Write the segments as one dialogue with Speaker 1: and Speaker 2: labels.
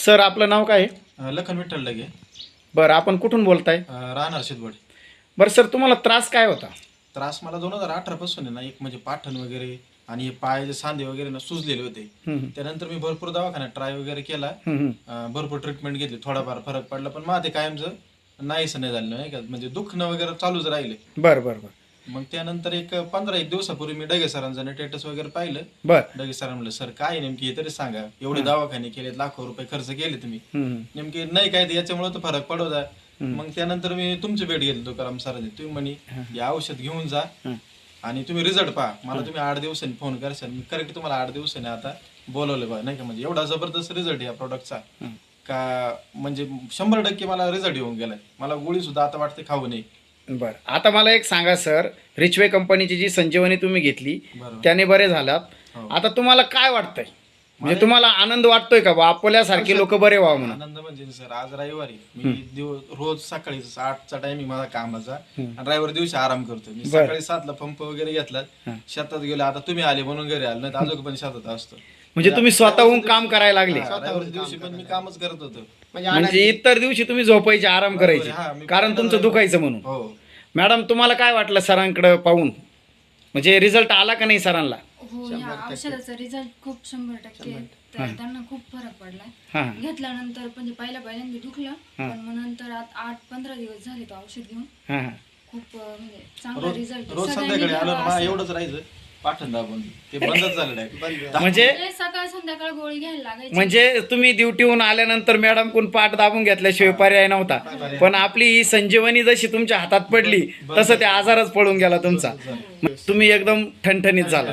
Speaker 1: Sir आपलं नाव काय आहे?
Speaker 2: लखन विठ्ठल लगे.
Speaker 1: बरं, आपण कुठून बोलताय?
Speaker 2: राहणार शिदवड.
Speaker 1: बरं सर, तुम्हाला त्रास काय होता?
Speaker 2: त्रास मला 2018 पासून आहे ना, एक म्हणजे पाठण वगैरे आणि हे पायाचे सांधे वगैरे ना सुजलेले होते. त्यानंतर मी भरपूर दवाखान्यात ट्राय वगैरे केला, भरपूर ट्रीटमेंट घेतली, थोडाफार फरक पडला, पण मला ते कायमचं नाहीच नाही झालं, नाही का, म्हणजे दुखणं वगैरे चालूच राहिले.
Speaker 1: बरं बरं बरं.
Speaker 2: मग त्यानंतर एक 15-1 दिवसापूर्वी मी डगे सरांचं स्टेटस वगैरे पाहिलं.
Speaker 1: बरं.
Speaker 2: डगे सरांना म्हणलं, सर काय नेमकी हे तरी सांगा, एवढे दवाखाने केले, लाखो रुपये खर्च केले तुम्ही, नेमकी नाही काय याच्यामुळे तर फरक पडत आहे. मग त्यानंतर मी तुमची भेट घेतली तुकाराम सरांनी. तुम्ही म्हणे हे औषध घेऊन जा आणि तुम्ही रिझल्ट पहा, मला तुम्ही 8 दिवसांनी फोन करशाल. मी करेक्ट तुम्हाला 8 दिवसांनी आता बोलवलं बा, नाही का, म्हणजे एवढा जबरदस्त रिझल्ट या प्रोडक्टचा का म्हणजे 100% मला रिझल्ट येऊन गेलाय. मला गोळी सुद्धा आता वाटते खाऊ नये.
Speaker 1: बरं, आता मला एक सांगा सर, रिचवे कंपनीची जी संजीवनी तुम्ही घेतली त्याने बरे झालात. आता तुम्हाला काय वाटतंय? म्हणजे तुम्हाला आनंद वाटतोय का बा आपल्यासारखे लोक बरे व्हावं म्हणून?
Speaker 2: आनंद म्हणजे सर, आज रविवारी मी रोज सकाळी 8चा टायमिंग माझा कामाचा आणि रविवारी दिवशी आराम करतो. मी सकाळी 7ला पंप वगैरे घेतला, शेतात गेलो. आता तुम्ही आले म्हणून घरी आलो, नाही तर अजून पण शेतात असतो.
Speaker 1: म्हणजे तुम्ही स्वतःहून काम करायला लागले?
Speaker 2: रविवारी दिवशी पण मी कामच करत होतो.
Speaker 1: म्हणजे इतर दिवशी तुम्ही झोपायचे, आराम करायचे, कारण तुमचं दुखायचं म्हणून.
Speaker 2: हो
Speaker 1: मॅडम, तुम्हाला काय वाटलं सरांकडे पाहून? म्हणजे रिझल्ट आला का नाही सरांना?
Speaker 3: हो, या औषधाचा रिझल्ट खूप 100% तर त्यांना खूप फरक पडलाय. घेतल्यानंतर म्हणजे पहिल्यांदा दुखलं, पण मग नंतर 8-15 दिवस झाले तो औषध घेऊन. खूप म्हणजे चांगला रिझल्ट.
Speaker 2: रोज संध्याकाळी आलो ना, एवढंच राहायचं पाठण दाबून, ते बंदच झालं नाही.
Speaker 1: म्हणजे
Speaker 3: सकाळ संध्याकाळ गोळी घ्यायला लागायची.
Speaker 1: म्हणजे तुम्ही ड्युटीहून आल्यानंतर मॅडम कोण पाठ दाबून घेतल्याशिवाय पर्याय नव्हता, पण आपली ही संजीवनी जशी तुमच्या हातात पडली तसं त्या आजारच पळून गेला तुमचा. तुम्ही एकदम ठणठणीत झाला.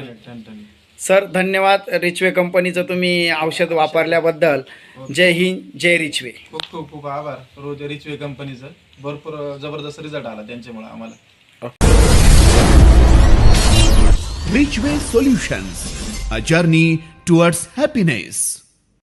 Speaker 1: सर धन्यवाद रिचवे कंपनीचं तुम्ही औषध वापरल्याबद्दल. जय हिंद, जय रिचवे.
Speaker 2: खूप खूप खूप आभार रोज रिचवे कंपनीचं. भरपूर जबरदस्त रिझल्ट आला त्यांच्यामुळे आम्हाला.
Speaker 4: Richway Solutions, a journey towards happiness.